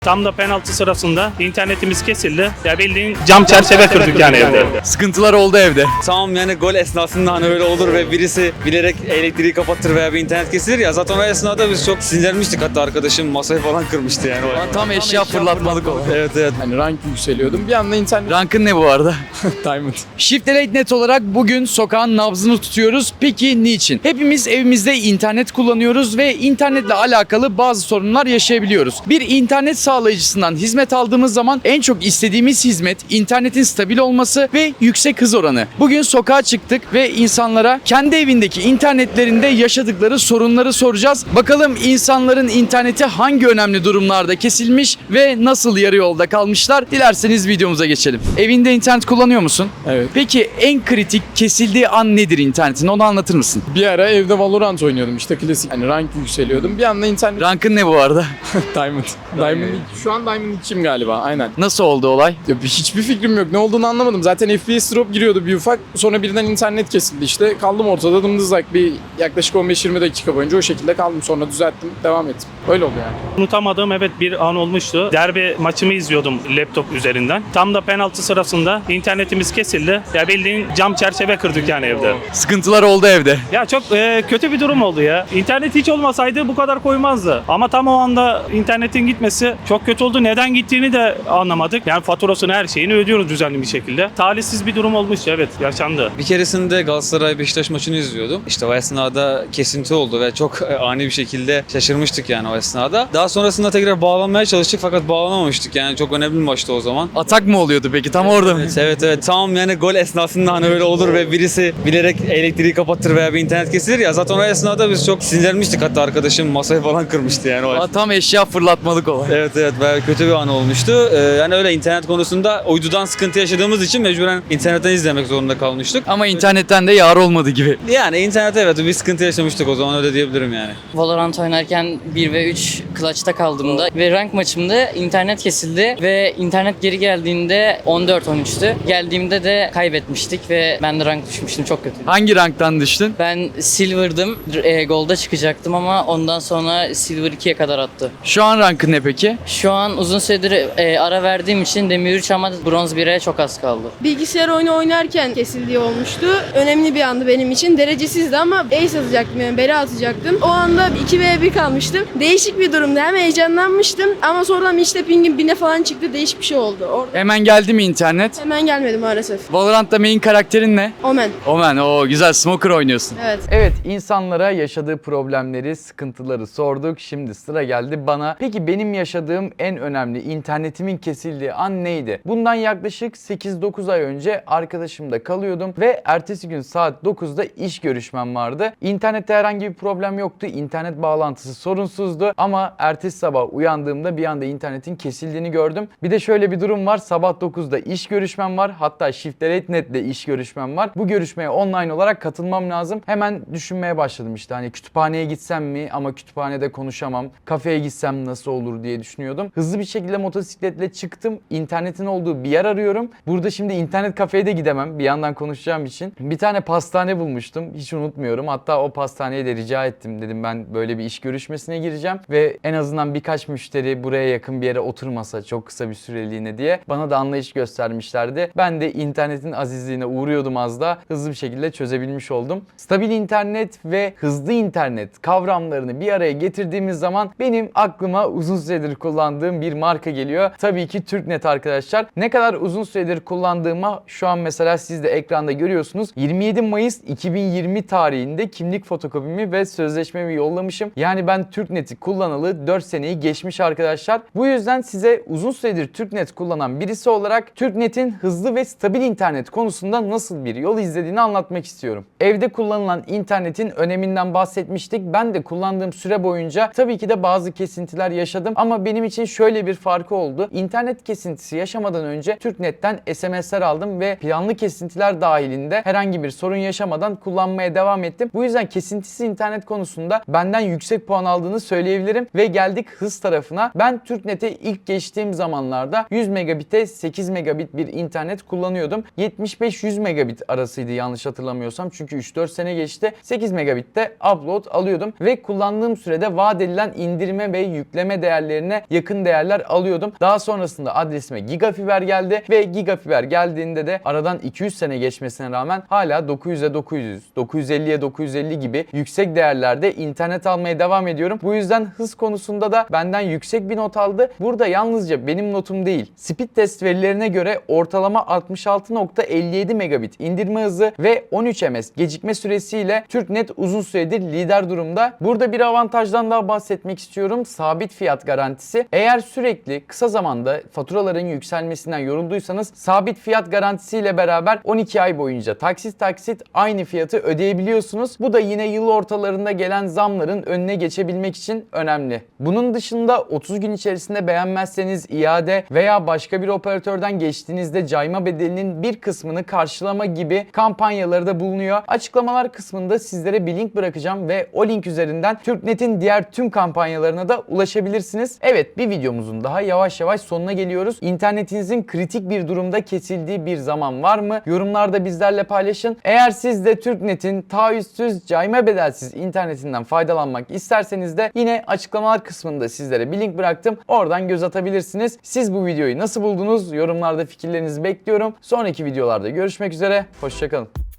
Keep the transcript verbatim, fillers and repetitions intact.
Tam da penaltı sırasında internetimiz kesildi. Ya bildiğin cam çerçeve kırdık yani evde. Sıkıntılar oldu evde. Tamam yani gol esnasında hani öyle olur ve birisi bilerek elektriği kapatır veya bir internet kesilir ya. Zaten o esnada biz çok sinirlenmiştik, hatta arkadaşım masayı falan kırmıştı yani. Tam eşya fırlatmalık oldu. Evet evet. Hani rank yükseliyordum. Bir anda internet Rankın ne bu arada? Diamond. Shift Elite Net olarak bugün sokağın nabzını tutuyoruz. Peki niçin? Hepimiz evimizde internet kullanıyoruz ve internetle alakalı bazı sorunlar yaşayabiliyoruz. Bir internet sağlayıcısından hizmet aldığımız zaman en çok istediğimiz hizmet internetin stabil olması ve yüksek hız oranı. Bugün sokağa çıktık ve insanlara kendi evindeki internetlerinde yaşadıkları sorunları soracağız. Bakalım insanların interneti hangi önemli durumlarda kesilmiş ve nasıl yarı yolda kalmışlar? Dilerseniz videomuza geçelim. Evinde internet kullanıyor musun? Evet. Peki en kritik kesildiği an nedir internetin? Onu anlatır mısın? Bir ara evde Valorant oynuyordum işte klasik. Hani rank yükseliyordum. Bir anda internet Rankın ne bu arada? Diamond. Diamond. Şu an Diamond içim galiba. Aynen. Nasıl oldu olay? Ya hiçbir fikrim yok. Ne olduğunu anlamadım. Zaten F P S drop giriyordu bir ufak. Sonra birden internet kesildi işte. Kaldım ortada dımdızlak bir yaklaşık on beş yirmi dakika boyunca o şekilde kaldım. Sonra düzelttim. Devam ettim. Öyle oldu yani. Unutamadığım evet bir an olmuştu. Derbi maçımı izliyordum laptop üzerinden. Tam da penaltı sırasında internetimiz kesildi. Ya bildiğin cam çerçeve kırdık yani evde. Sıkıntılar oldu evde. Ya çok e, kötü bir durum oldu ya. İnternet hiç olmasaydı bu kadar koymazdı. Ama tam o anda internetin gitmesi çok kötü oldu. Neden gittiğini de anlamadık. Yani faturasını, her şeyini ödüyoruz düzenli bir şekilde. Talihsiz bir durum olmuş, evet, yaşandı. Bir keresinde Galatasaray Beşiktaş maçını izliyordum. İşte o esnada kesinti oldu ve çok ani bir şekilde şaşırmıştık yani o esnada. Daha sonrasında tekrar bağlanmaya çalıştık fakat bağlanamamıştık. Yani çok önemli bir maçtı o zaman. Atak mı oluyordu peki? Tam orada mı? Evet evet evet. Tamam yani gol esnasında hani öyle olur ve birisi bilerek elektriği kapatır veya bir internet kesilir ya. Zaten o esnada biz çok sinirlenmiştik, hatta arkadaşım masayı falan kırmıştı yani. O Tam eşya fırlatmalık olay. Evet evet, bayağı kötü bir an olmuştu. Ee, yani öyle internet konusunda uydudan sıkıntı yaşadığımız için mecburen internetten izlemek zorunda kalmıştık. Ama internetten de yar olmadı gibi. Yani internet evet bir sıkıntı yaşamıştık o zaman, öyle diyebilirim yani. Valorant oynarken bir ve üç clutch'ta kaldığımda ve rank maçımda internet kesildi ve internet geri geldiğinde on dört on üçtü. Geldiğimde de kaybetmiştik ve ben de rank düşmüştüm, çok kötü. Hangi ranktan düştün? Ben silver'dım, e, gold'a çıkacaktım ama ondan sonra silver ikiye kadar attı. Şu an rankın ne peki? Şu an uzun süredir e, ara verdiğim için demir üç ama bronz bire çok az kaldı. Bilgisayar oyunu oynarken kesildiği olmuştu. Önemli bir andı benim için. Derecesizdi ama ace atacaktım, yani bela atacaktım. O anda iki ve bir kalmıştım. Değişik bir durumdu. Hem heyecanlanmıştım ama sonradan işte pingim bine falan çıktı. Değişik bir şey oldu. Orada Hemen geldi mi internet? hemen gelmedi maalesef. Valorant'ta main karakterin ne? Omen. Omen, o güzel smoker oynuyorsun. Evet. Evet, insanlara yaşadığı problemleri, sıkıntıları sorduk. Şimdi sıra geldi bana. Peki benim yaşadığım en önemli internetimin kesildiği an neydi? Bundan yaklaşık sekiz dokuz ay önce arkadaşımda kalıyordum ve ertesi gün saat dokuzda iş görüşmem vardı. İnternette herhangi bir problem yoktu. İnternet bağlantısı sorunsuzdu ama ertesi sabah uyandığımda bir anda internetin kesildiğini gördüm. Bir de şöyle bir durum var. Sabah dokuzda iş görüşmem var. Hatta Shift Elite Net'le iş görüşmem var. Bu görüşmeye online olarak katılmam lazım. Hemen düşünmeye başladım işte, hani kütüphaneye gitsem mi, ama kütüphanede konuşamam. Kafeye gitsem nasıl olur diye düşünüyordum. Hızlı bir şekilde motosikletle çıktım. İnternetin olduğu bir yer arıyorum. Burada şimdi internet kafeye de gidemem bir yandan konuşacağım için. Bir tane pastane bulmuştum. Hiç unutmuyorum. Hatta o pastaneye de rica ettim. Dedim ben böyle bir iş görüşmesine gireceğim ve en azından birkaç müşteri buraya yakın bir yere oturmasa çok kısa bir süreliğine diye bana da anlayış göstermişlerdi. Ben de internetin azizliğine uğruyordum az da, hızlı bir şekilde çözebilmiş oldum. Stabil internet ve hızlı internet kavramlarını bir araya getirdiğimiz zaman benim aklıma uzun süredir kullandığım bir marka geliyor. Tabii ki TürkNet arkadaşlar. Ne kadar uzun süredir kullandığıma şu an mesela siz de ekranda görüyorsunuz. yirmi yedi Mayıs iki bin yirmi tarihinde kimlik fotokopimi ve sözleşmemi yollamışım. Yani ben TürkNet'i kullanalı dört seneyi geçmiş arkadaşlar. Bu yüzden size uzun süredir TürkNet kullanan birisi olarak TürkNet'in hızlı ve stabil internet konusunda nasıl bir yol izlediğini anlatmak istiyorum. Evde kullanılan internetin öneminden bahsetmiştik. Ben de kullandığım süre boyunca tabii ki de bazı kesintiler yaşadım ama benim için şöyle bir farkı oldu. İnternet kesintisi yaşamadan önce TürkNet'ten S M S'ler aldım ve planlı kesintiler dahilinde herhangi bir sorun yaşamadan kullanmaya devam ettim. Bu yüzden kesintisiz internet konusunda benden yüksek puan aldığını söyleyebilirim ve geldik hız tarafına. Ben TürkNet'e ilk geçtiğim zamanlarda yüz megabit'e sekiz megabit bir internet kullanıyordum. yetmiş beş yüz megabit arasıydı yanlış hatırlamıyorsam, çünkü üç dört sene geçti. sekiz megabit'te upload alıyordum ve kullandığım sürede vaat edilen indirme ve yükleme değerlerine yakın değerler alıyordum. Daha sonrasında adresime Gigafiber geldi ve Gigafiber geldiğinde de aradan iki yüz sene geçmesine rağmen hala dokuz yüze dokuz yüz, dokuz yüz elliye dokuz yüz elli gibi yüksek değerlerde internet almaya devam ediyorum. Bu yüzden hız konusunda da benden yüksek bir not aldı. Burada yalnızca benim notum değil, speed test verilerine göre ortalama altmış altı nokta elli yedi megabit indirme hızı ve on üç ms gecikme süresiyle TürkNet uzun süredir lider durumda. Burada bir avantajdan daha bahsetmek istiyorum. Sabit fiyat garantisi. Eğer sürekli kısa zamanda faturaların yükselmesinden yorulduysanız sabit fiyat garantisiyle beraber on iki ay boyunca taksit taksit aynı fiyatı ödeyebiliyorsunuz. Bu da yine yıl ortalarında gelen zamların önüne geçebilmek için önemli. Bunun dışında otuz gün içerisinde beğenmezseniz iade veya başka bir operatörden geçtiğinizde cayma bedelinin bir kısmını karşılama gibi kampanyaları da bulunuyor. Açıklamalar kısmında sizlere bir link bırakacağım ve o link üzerinden TürkNet'in diğer tüm kampanyalarına da ulaşabilirsiniz. Evet, bir videomuzun daha yavaş yavaş sonuna geliyoruz. İnternetinizin kritik bir durumda kesildiği bir zaman var mı? Yorumlarda bizlerle paylaşın. Eğer siz de TürkNet'in taahhütsüz, cayma bedelsiz internetinden faydalanmak isterseniz de yine açıklamalar kısmında sizlere bir link bıraktım. Oradan göz atabilirsiniz. Siz bu videoyu nasıl buldunuz? Yorumlarda fikirlerinizi bekliyorum. Sonraki videolarda görüşmek üzere. Hoşçakalın.